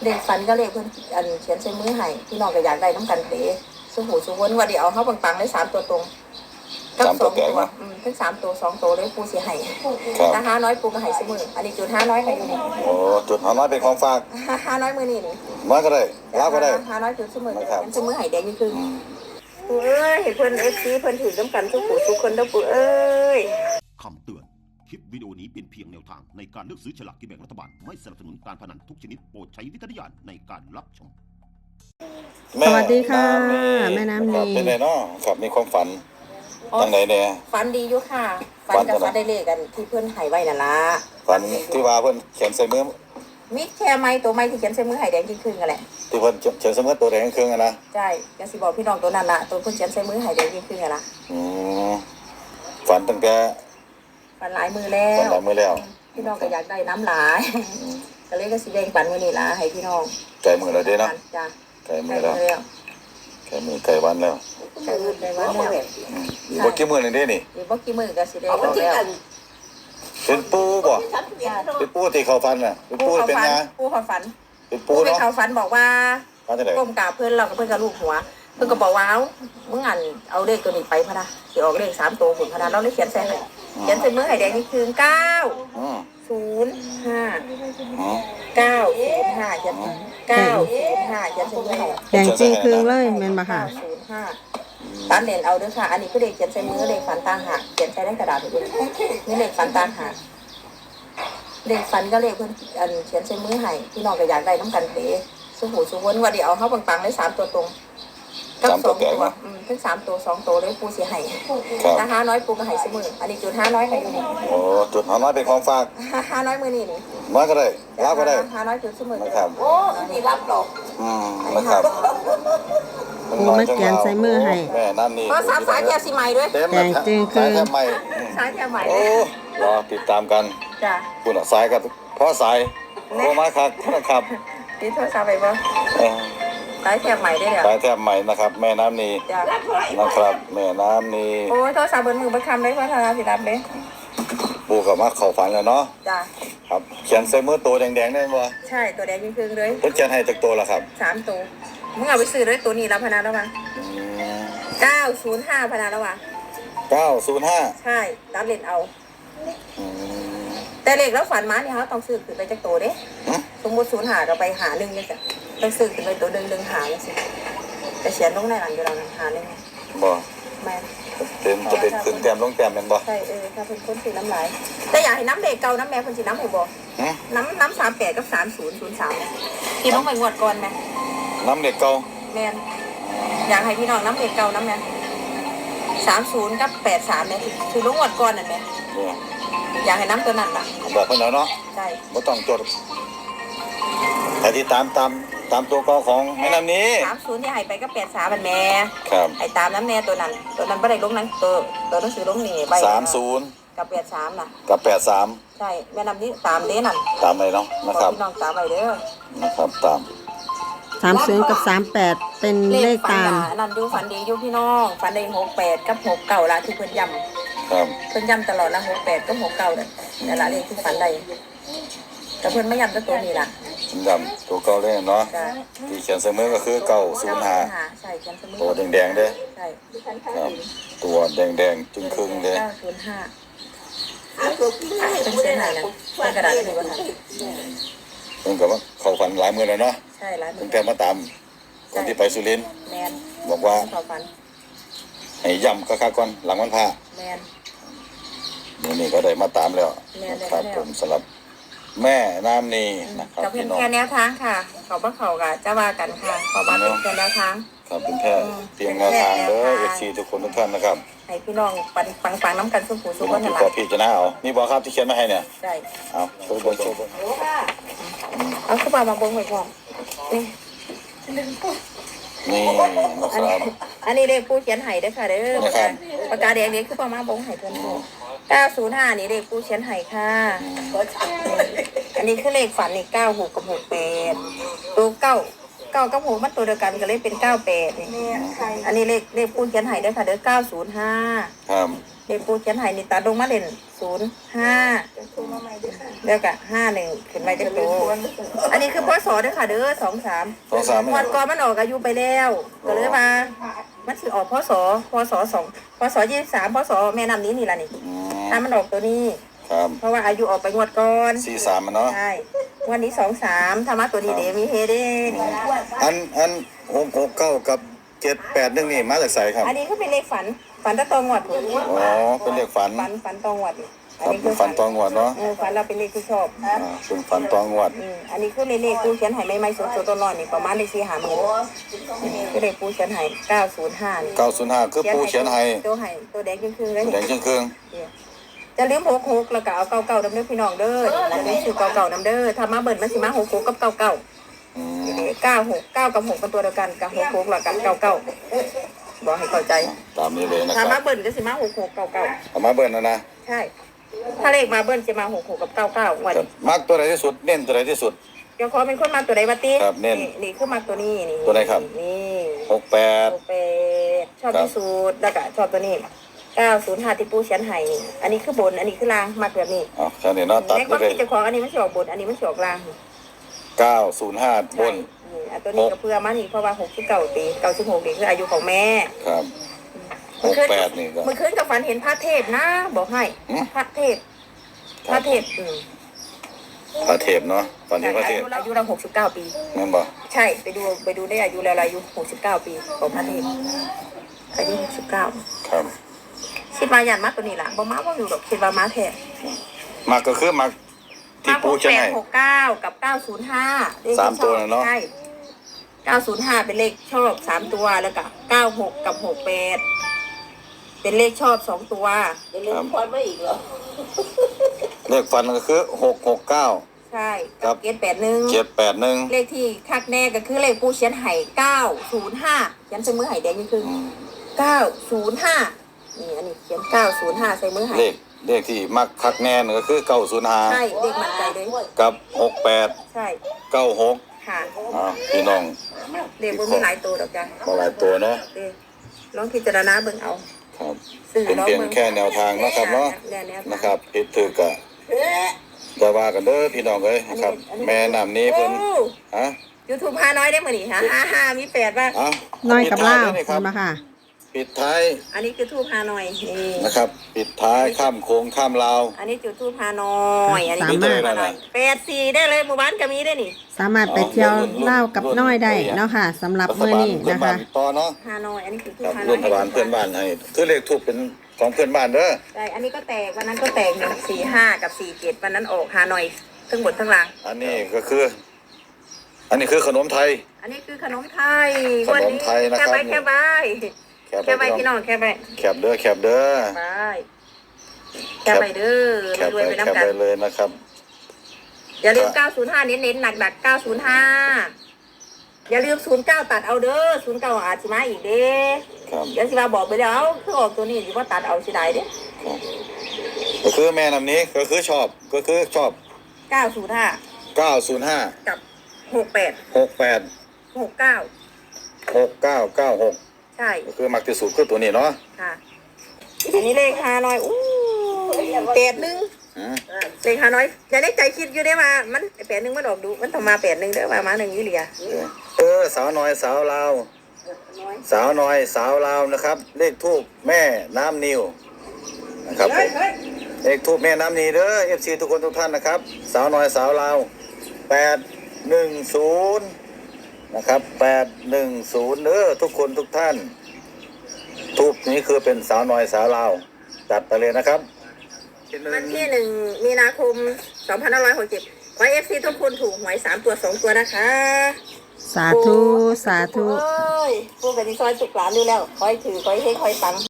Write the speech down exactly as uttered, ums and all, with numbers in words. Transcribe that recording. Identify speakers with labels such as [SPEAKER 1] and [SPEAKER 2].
[SPEAKER 1] เลขฝันก็เลขเพิ่นอันเขียนใส่มือให้พี่น้องก็อยากได้น้ำกันเตะสุหูสุวนว่าเดี๋ยวเอาเข้าปังๆได้สามตัวตรงกับสองตัวอืมทั้งสามตัวสองตัวเลยปูเสียให้ถ้าห้าน้อยปูก็ให้เสมออันนี้จุดห้าน้อยให้อยู่นี่
[SPEAKER 2] โอ้จุดห้าน้อยเป็นของฝาก
[SPEAKER 1] ห้าน้อยมือนี่นี่
[SPEAKER 2] น้อยก็ได้ลาก็ได้
[SPEAKER 1] ห้าน้อยจุดเสมอเป็นเสมอให้แดงนี่คือปูเอ้ยเห็นเพิ่นเอฟซีเพิ่นถือน้ำกันทุกผู้ทุกคนเด้อปูเอ้ย
[SPEAKER 3] คำเตือนคลิปวิดีโอนี้เป็นเพียงแนวทางในการเลือกซื้อฉลากกินแบ่งรัฐบาลไม่สนับสนุนการพนันทุกชนิดโปรดใช้วิจารณญาณในการรับชม
[SPEAKER 4] สวัสดีค่ะแม่น้ำนี
[SPEAKER 2] เป็นไงเนาะครับมีความฝันตั้งไหนเนี่ย
[SPEAKER 1] ฝันดีอยู่ค่ะฝันกับฝันได้เลขกันที่เพื่อนหายไว้น่ะละ
[SPEAKER 2] ฝันที่ว่าเพื่อนเขียนใส่มือ
[SPEAKER 1] มิแค่ไม้ตัวไม้ที่เขียนใส่มือหายแดงจริงคืนกันแหละ
[SPEAKER 2] ที่เพื่อนเขียนใส่มือตัวแดงครึ่งกันนะ
[SPEAKER 1] ใช่ยังสิบอกพี่น้องตัวนั้นละตัวเพื่อนเขียนใส่มือหายแดงจริงคืนกันละ
[SPEAKER 2] อืมฝันตั้งแต่
[SPEAKER 1] ฝันหลายมือแล้ว
[SPEAKER 2] ฝันหลายมือแล้ว
[SPEAKER 1] พี่น้องก็อยากได้น้ำหลายก็เลยก็สิแดงฝันมือนี่ละให้พี่น้อง
[SPEAKER 2] ไก่มือแล้วเด้เนาะ
[SPEAKER 1] จ้ะ
[SPEAKER 2] ไก่มือแล้วไก่มือไก่วันแล้ว
[SPEAKER 1] ไก่มือไก่วันแล้ว
[SPEAKER 2] อีกบ่กี่มือนึงเด้นี่
[SPEAKER 1] อีกบ่กี่มือก็สิได้แล้ว
[SPEAKER 2] เป็นปูบ่เป็นปูที่เขาฟันน่ะเป็นปูเป็นงา
[SPEAKER 1] ปูเขาฝัน
[SPEAKER 2] เป็นปู
[SPEAKER 1] เนาะเขาฝันบอกว่า
[SPEAKER 2] ก้
[SPEAKER 1] มกราบเพื่อนเรากับเพื่อนกับลูกหัวเพื่อนก็บอกว่ามึงอ่านเอาเลขตัวนี้ไปพะนะที่ออกเลขสามตัวผลพะนะเราเลยเขียนใส่ให้เขียนใส่มือไห่แดงนี่คือเก้าศูนย์ห้าเก้าศูนย์ห้าเขียนเก้าศูนย์ห้าเขียนใส่มือไห่
[SPEAKER 4] แดงจริงคืนเลยแม่นบ่ค่ะ
[SPEAKER 1] ศูนย์ห้าตัดเลนเอาด้วยค่ะอันนี้คือเลขเขียนใส่มือเลขฝันต่างหากเขียนใส่ในกระดาษด้วยนี่เลขฝันต่างหากเลขฝันก็เลขเพื่อนอันเขียนใส่มือให้พี่น้องก็อยากได้น้ำกันเตะสุหูสุวนว่าเดี๋ยวเอาเข้าปังๆได้สามตัวตรงกับสองตัวอืมทั้งสามตัวสองตัวเลยปูเสียให้ถ้าห้าน้อยปูก็ให้เสมออันนี้จุดห้าน้อยให้อยู่นี่
[SPEAKER 2] โอ้จุดห้าน้อยเป็นของฝาก
[SPEAKER 1] ห้าน้อยมือนี่นี่
[SPEAKER 2] น้อยก็ได้ลาก็ได้
[SPEAKER 1] ห้าน้อยจุดเสมอ
[SPEAKER 2] นะครับ
[SPEAKER 1] โอ้นี่รับหรอก
[SPEAKER 2] อืมนะครับ
[SPEAKER 4] ปูมาเขียนใส่มือให้
[SPEAKER 2] แม่นั่นนี่
[SPEAKER 1] เพราะสามสายแถวสีใหม่ด้วย
[SPEAKER 4] แดงจริงคือ
[SPEAKER 2] สายแถวใหม่
[SPEAKER 1] สายแถวใหม่
[SPEAKER 2] โอ้รอติดตามกัน
[SPEAKER 1] จ้ะ
[SPEAKER 2] คุณสายกับเพราะสายโทรมาครับนะครับ
[SPEAKER 1] ติดโทรศัพท์ไปบ่สายแถบใหม่ได้แล้ว
[SPEAKER 2] สายแถบใหม่นะครับแม่น้ำนีนะครับแม่น้ำนี
[SPEAKER 1] โอ้ยโทรศัพท์เบอร์มือบัคคำเลยพัฒนาสิรับเลย
[SPEAKER 2] ปูกับมาเข่าฝันแล้วเนาะ
[SPEAKER 1] จ้ะ
[SPEAKER 2] ครับเขียนใส่มือตัวแดงๆได้บ่
[SPEAKER 1] ใช่ตัวแดงยิ่งครึ่งเลย
[SPEAKER 2] เพิ่นเขียนให้จากตัวละครับ
[SPEAKER 1] สามตัวมึงเอาไปซื้อด้วยตัวนี้แล้วพนันแล้วมั้งเก้าศูนย์ห้าพนันแล้ววะ
[SPEAKER 2] เก้าศูนย์ห้า
[SPEAKER 1] ใช่ตัดเลนเอาแต่เลขแล้วฝันมาเนี่ยเขาต้องซื้อขึ้นไปจากตัวเด้สมมติศูนย์หาเราไปหาหนึ่งเนี่ยจ้ะต้องซื้อขึ้นไปตัวหนึ่งหนึ่งหาเนี่ยสิแต่เขียนลงในหลังอยู่เราหาหนึ่ง
[SPEAKER 2] บ่
[SPEAKER 1] แม่
[SPEAKER 2] เป็นจะเป็นขึ้นแต้มลงแต้มเป็นบ่
[SPEAKER 1] ใช่เออถ้าเป็นคนสีน้ำลายแต่อยากให้น้ำเด็กเก่าน้ำแม่คนสีน้ำให้บ่น้ำน้ำสามแปดกับสามศูนย์ศูนย์สามเนี่ยพี่น้องไปงวดก่อนไหม
[SPEAKER 2] น้ำเด็กเก่า
[SPEAKER 1] แม่อยากให้พี่น้องน้ำเด็กเก่าน้ำแม่สามศูนย์กับแปดสามเนี่ยคือลงงวดก่อนนั่นไหมอยากให้น้ำตัวนั้นล่ะ
[SPEAKER 2] บอกเพิ่นแล้วเนาะ
[SPEAKER 1] ใช่
[SPEAKER 2] ไม่ต้องจดแต่ที่ตามตามตามตัวกอของแม่น้ำนี้
[SPEAKER 1] สามศูนย์ที่ให้ไปก็แปดสามมันแม่
[SPEAKER 2] ครับ
[SPEAKER 1] ไอ้ตามน้ำแน่ตัวนั้นตัวนั้นไม่ได้ลงนั้นตัวตัวหนังสือลงนี่ใบ
[SPEAKER 2] สามศูนย์
[SPEAKER 1] กับแปดสามน่ะ
[SPEAKER 2] กับแปดสาม
[SPEAKER 1] ใช่แม่น้ำนี้ตามเด้นั่น
[SPEAKER 2] ตามเลยเนาะนะครับ
[SPEAKER 1] พี่น้องตามไปเด้อ
[SPEAKER 2] นะครับตาม
[SPEAKER 4] สามศูนย์กับสามแปดเป็นเลขตาม
[SPEAKER 1] นั่นดูฝันดีอยู่พี่น้องฝันได้หกแปดกับหกเก่าละที่เพิ่นย้
[SPEAKER 2] ำครับ
[SPEAKER 1] เพิ่นย้ำตลอดละหกแปดกับหกเก่าเนี่ยแต่ละเลขที่ฝันได้แต่เพิ่นไม่ย้ำตัวตัวนี้ล่ะ
[SPEAKER 2] ย้ำตัวเก่าเลยเนาะที่เขียนเสมอก็คือเก้าศูนย์ห้าตัวแดงๆเด้
[SPEAKER 1] ใช่
[SPEAKER 2] ครับตัวแดงๆจึงครึ่งเด้
[SPEAKER 1] เก้าศูนย์ห้าเป็นเส้นไหนนะเป็นกระดาษนี่วะค่ะ
[SPEAKER 2] เพิ่นกับว่าเขาฝันหลายมือแล้วเนาะ
[SPEAKER 1] ใช่หลายมือ
[SPEAKER 2] เพิ่นแกมาตามคนที่ไปสุรินทร์
[SPEAKER 1] แมน
[SPEAKER 2] บอกว่าให้ย้ำคักๆก่อนหลังวันพระ
[SPEAKER 1] แมน
[SPEAKER 2] นี่นี่ก็ได้มาตามแล้วครับผมสำหรับแม่น้ำนีนะครับ
[SPEAKER 1] กับเป็นแค่แนวทางค่ะเขาบ้าเขากับจะว่ากันค่ะเขาบ้าเป็นแค่แนวทาง
[SPEAKER 2] ครับเป็นแค่เพียงแนวทางเด้อเอฟซีทุกคนทุกท่านนะครับ
[SPEAKER 1] ให้พี่น้องปังปังปังน้ำกันสุขุสุขวัน
[SPEAKER 2] หลังก็พี่จะน่าเอานี่บอกครับที่เขียนมาให้เนี่ย
[SPEAKER 1] ใช่
[SPEAKER 2] เอาโชว์บนโชว์บน
[SPEAKER 1] เอาขึ้นมามาบงไว้ก่อนนี่
[SPEAKER 2] นี่นะครับ
[SPEAKER 1] อันนี้เลขผู้เขียนไห้ได้ค่ะเด้อปากกาแดงนี้คือประมาณบงไห้เพิ่นเก้าศูนย์ห้านี่เลขผู้เขียนไห้ค่ะอันนี้คือเลขฝันนี่เก้าหกกับหกแปดตัวเก้าเก้ากับหกมันตัวเดียวกันก็เลยเป็นเก้าแปดนี่อันนี้เลขเลขปูเขียนให้เด้อค่ะเด้อเก้าศูนย์ห้า
[SPEAKER 2] ครับ
[SPEAKER 1] เลขปูเขียนให้นี่ตัดลงมาเด่นศูนย์ห้าแล้วก็ห้าหนึ่งขึ้นไปเด้อโตอันนี้คือพศเด้อค่ะเด้อสองสาม
[SPEAKER 2] สองสาม
[SPEAKER 1] วันก่อนมันออกอายุไปแล้วก็เลยมามันสิออกพศพศสองพศยี่สิบสามพศแม่น้ำนี้นี่ล่ะนี่
[SPEAKER 2] อืม
[SPEAKER 1] ถ้ามันออกตัวนี้
[SPEAKER 2] ครับ
[SPEAKER 1] เพราะว่าอายุออกไปงวดก่อน
[SPEAKER 2] สี่สามมันเนาะ
[SPEAKER 1] ใช่วันนี้สองสามธรรมะตัวนี้เดมีเฮเด้นี่
[SPEAKER 2] อันอันหกหกเก้ากับเจ็ดแปดหนึ่งนี่มาจากไสครับ
[SPEAKER 1] อันนี้ก็เป็นเลขฝันฝันตะตองงวดผม
[SPEAKER 2] อ๋อเป็นเลขฝัน
[SPEAKER 1] ฝันฝันตองงวดนี่
[SPEAKER 2] ครับเป็นฝันตองงวดเนาะ
[SPEAKER 1] เออฝันเราเป็นเลขที่ชอบ
[SPEAKER 2] อ่าเป็นฝันตองงวด
[SPEAKER 1] อืมอันนี้คือเลขเลขปูเขียนไห้ไม่ไม่สดสดตลอดนี่ประมาณเลขสี่หาหมื่นคือเลขปูเขียนไห้เก้าศูนย์ห้านี่
[SPEAKER 2] เก้าศูนย์ห้าคือปูเขียนให้
[SPEAKER 1] ตัวไห้ตัวแดงครึ่งๆเลย
[SPEAKER 2] แดงเครื่องเครื่อง
[SPEAKER 1] จะลืมหกหกแล้วก็เอาเก้าเก้าดำเด้อพี่น้องเด้อจะลืมชื่อเก้าเก้าดำเด้อถ้ามาเบิ่นมันสิมาหกหกกับเก้าเก้า
[SPEAKER 2] อืม
[SPEAKER 1] เก้าหกเก้ากับหกเป็นตัวเดียวกันกับหกหกแล้วกันเก้าเก้าบอกให้เข้าใจ
[SPEAKER 2] ตามนี้เลยนะค
[SPEAKER 1] ถ้า
[SPEAKER 2] รับ
[SPEAKER 1] มาเบิ่นก็สิมาหกหกเก้าเก้า
[SPEAKER 2] เอามาเบิ่นนะนะ
[SPEAKER 1] ใช่ ถ้าเลขมาเบิ้ลจะมาหกหกกับเก้าเก้าวัน
[SPEAKER 2] ครับมักตัวไหนที่สุดเน้นตัวไหนที่สุด
[SPEAKER 1] เดี๋ยวขอเป็นคนมาตัวใดมาตี
[SPEAKER 2] ครับเน้น
[SPEAKER 1] นี่คือมาตัวนี้นี่
[SPEAKER 2] ตัวไหนครับ
[SPEAKER 1] นี่
[SPEAKER 2] หกแปด
[SPEAKER 1] หกแปดชอบที่สุดแล้วก็ชอบตัวนี้เก้าศูนย์ห้าที่ปูเชียนไห้นี่อันนี้คือบนอันนี้คือล่างมากแบบนี้
[SPEAKER 2] อ๋อแค่นี้เนาะตัด
[SPEAKER 1] ในค
[SPEAKER 2] ไป
[SPEAKER 1] วาม
[SPEAKER 2] เลย
[SPEAKER 1] คิดเจ้าของอันนี้มันสิออกบนอันนี้มันสิออกล่าง
[SPEAKER 2] เก้าศูนย์ห้าบ
[SPEAKER 1] ใช่
[SPEAKER 2] น
[SPEAKER 1] นี่อันตัวนี้ก็เพื่อมานี่เพราะว่าหกสิบเก้าปีเก้าสิบหกนี่คืออายุของแม่
[SPEAKER 2] ครับหกแปดนี่ก็
[SPEAKER 1] เมื่อคืนกับฝันเห็นพระเทพนะ บอกให้
[SPEAKER 2] หืม
[SPEAKER 1] พระเทพพระเทพอืม
[SPEAKER 2] พระเทพเนาะตอนนี้พระเทพ
[SPEAKER 1] อายุเราหกสิบเก้าปี
[SPEAKER 2] นั่นบ่
[SPEAKER 1] ใช่ไปดูไปดูได้อายุแล้วอายุหกสิบเก้าปีของพระเทพอายุหกสิบเก้า
[SPEAKER 2] ครับ
[SPEAKER 1] คิดว่ายันมาตัวนี้ล่ะบ่มาบ่อยู่ดอกคิดว่ามาแท้
[SPEAKER 2] มักก็คือมักที่
[SPEAKER 1] มา
[SPEAKER 2] ปู
[SPEAKER 1] หก
[SPEAKER 2] เขียน
[SPEAKER 1] แปด
[SPEAKER 2] ให้
[SPEAKER 1] หกเก้ากับเก้าศูนย์ห้า
[SPEAKER 2] สามตัวน่ะเนาะ
[SPEAKER 1] ใช่เก้าศูนย์ห้าเป็นเลขชอบสามตัวแล้วก็เก้าหกกับหกแปดเป็นเลขชอบสองตัว
[SPEAKER 5] อย่าลืมพอดไว้อีกเหรอ
[SPEAKER 2] เลขฟันก็คือหกหกเก้า
[SPEAKER 1] ใช่
[SPEAKER 2] ครับ
[SPEAKER 1] เกณฑ์แปดหนึ่ง
[SPEAKER 2] เจ็ดแปดหนึ่ง
[SPEAKER 1] เลขที่คักแน่ก็คือเลขปูเชียนไห่เก้าศูนย์ห้าเขียนใส่มือไห่แดงนี่คือเก้าศูนย์ห้านี่อันนี้เขียนเก้าศูนย์ห้าใส่มือไห่
[SPEAKER 2] เลขเลขที่มักคักแน่นก็คือเก้าศูนย์ห้า
[SPEAKER 1] ใช่เลขมั่นใจเลย
[SPEAKER 2] กับหกแปด
[SPEAKER 1] ใช่
[SPEAKER 2] เก้าหก
[SPEAKER 1] ค่ะ
[SPEAKER 2] อ่าพี่น้อง
[SPEAKER 1] เลขบนมีหลายตัวดอกจ้ะ
[SPEAKER 2] มาหลายตัวเนาะ
[SPEAKER 1] เลขลองพิจารณาเบิ่งเอา
[SPEAKER 2] ครับ
[SPEAKER 1] สื่อ
[SPEAKER 2] เป็น
[SPEAKER 1] ลอง
[SPEAKER 2] เพียง
[SPEAKER 1] เบิ่ง
[SPEAKER 2] แค่แนวทางเนาะครับเนาะ
[SPEAKER 1] แนวแนวทาง
[SPEAKER 2] นะครับผิดถูกก็จะว่ากันเด้อพี่น้องเอ้ยนะครับ แม่น้ำนี้เพิ่นฮะ
[SPEAKER 1] ยูทูบพาน้อยได้มื้อนี้ฮะฮ่าฮ่ามีแปดว่า
[SPEAKER 2] เอ้า
[SPEAKER 4] น้อยกับเล่า
[SPEAKER 2] ปิดท้ยด้วยนี่ค
[SPEAKER 4] คุ
[SPEAKER 2] รับ
[SPEAKER 4] ณมาค่ะ
[SPEAKER 2] ปิดท้าย
[SPEAKER 1] อันนี้คือทูบพาน้อยนี่
[SPEAKER 2] นะครับ ปิดท้ายข้ามโค้งข้ามลาว
[SPEAKER 1] อันนี้จุดทูบพาน้อยอันนี้
[SPEAKER 4] สามารถ
[SPEAKER 1] จุดธูปพาน้อยแปดสี่ได้เลยหมู่บ้านก็มีได้นี่
[SPEAKER 4] สามารถไปเที่ยวเล่ากับน้อยได้เนาะค่ะสำหรับ
[SPEAKER 2] รัฐ
[SPEAKER 4] มื้อบ
[SPEAKER 2] าล
[SPEAKER 4] นี้
[SPEAKER 2] เพื่อน
[SPEAKER 4] นะ
[SPEAKER 2] บ้า
[SPEAKER 4] คะ
[SPEAKER 2] นต่อเนาะ
[SPEAKER 1] ฮานอยอันนี้คือทู
[SPEAKER 2] ครับ
[SPEAKER 1] ฮาน
[SPEAKER 2] ร่
[SPEAKER 1] อ
[SPEAKER 2] วย มพบาลเพื่อนบ้านให้คือเลขทูบเป็นของเพื่อนบ้านเด้อ
[SPEAKER 1] ใช่อันนี้ก็แตกวันนั้นก็แตกหนึ่งสี่ห้ากับสี่เจ็ดวันนั้นออกฮานอยทั้งหมดทั้งหลัง
[SPEAKER 2] อันนี้ก็คือ อันนี้คือขนมไทย
[SPEAKER 1] อันนี้คือขนมไทย
[SPEAKER 2] ขนมไทยนะครับ
[SPEAKER 1] แค่ใบแค่ใบ
[SPEAKER 2] แคบ
[SPEAKER 1] แค่ใบ
[SPEAKER 2] ไป
[SPEAKER 1] พี่น้องแค่ใบ
[SPEAKER 2] แคบเด้อแคบเด้อ
[SPEAKER 1] ใบแค่ใบเด้อ
[SPEAKER 2] แคบ
[SPEAKER 1] รวย
[SPEAKER 2] ไป
[SPEAKER 1] ไป
[SPEAKER 2] แคบ
[SPEAKER 1] น้ำกั
[SPEAKER 2] ไป
[SPEAKER 1] น
[SPEAKER 2] เลยนะครับ
[SPEAKER 1] อย่าลืมเก้าศูนย์ห้าเน้นๆหนักๆเก้าศูนย์ห้าอย่าลืมศูนย์เก้าตัดเอาเด้อศูนย์เก้าอาจจะมาอีกเด้
[SPEAKER 2] ครับ
[SPEAKER 1] เดี๋ยวสิมาบอกไปแล้วคือออกตัวนี้สิว่าตัดเอาสิได้เด้
[SPEAKER 2] ครับก็คือแม่น้ำนี้ก็คือชอบก็คือชอบ
[SPEAKER 1] เก้าศูนย์ห้า
[SPEAKER 2] เก้าศูนย์ห้า
[SPEAKER 1] กับหกแปด
[SPEAKER 2] หกแปด
[SPEAKER 1] หกเก้า
[SPEAKER 2] หกเก้าเก้าหก
[SPEAKER 1] ใช่
[SPEAKER 2] ก็คือมักที่สุดคือตัวนี้เนาะ
[SPEAKER 1] ค่ะอันนี้เลขฮานอยอู้แปดหนึ่ง
[SPEAKER 2] อืม
[SPEAKER 1] เลขฮานอยอย่าได้ใจคิดอยู่ได้มามันแปดหนึ่งมันออกดูมันต้องมาแปดหนึ่งเด้อมามาหนึ่งยี่เหลีย
[SPEAKER 2] เออสาวน้อยสาวลาวสาวน้อยสาวลาวนะครับ เลขทูบแม่น้ำนิวนะครับผมเลขทูบแม่น้ำนีเด้อเอฟซีทุกคนทุกท่านนะครับ สาวน้อยสาวลาวแปดหนึ่งศูนย์นะครับแปดหนึ่งศูนย์เด้อทุกคนทุกท่านทูบนี้คือเป็นสาวน้อยสาวลาวจัดไปเลยนะครับ
[SPEAKER 1] วันที่หนึ่งมีนาคมสองพันห้าร้อยหกสิบเจ็ดขอเอฟซีทุกคนถูกหวยสามตัวสองตัวนะคะ
[SPEAKER 4] สาธุสาธุ
[SPEAKER 1] โอ้ยพูดกันที่ซอยสุกหลานดูแล้วคอยถือคอยเฮ้คอยตัง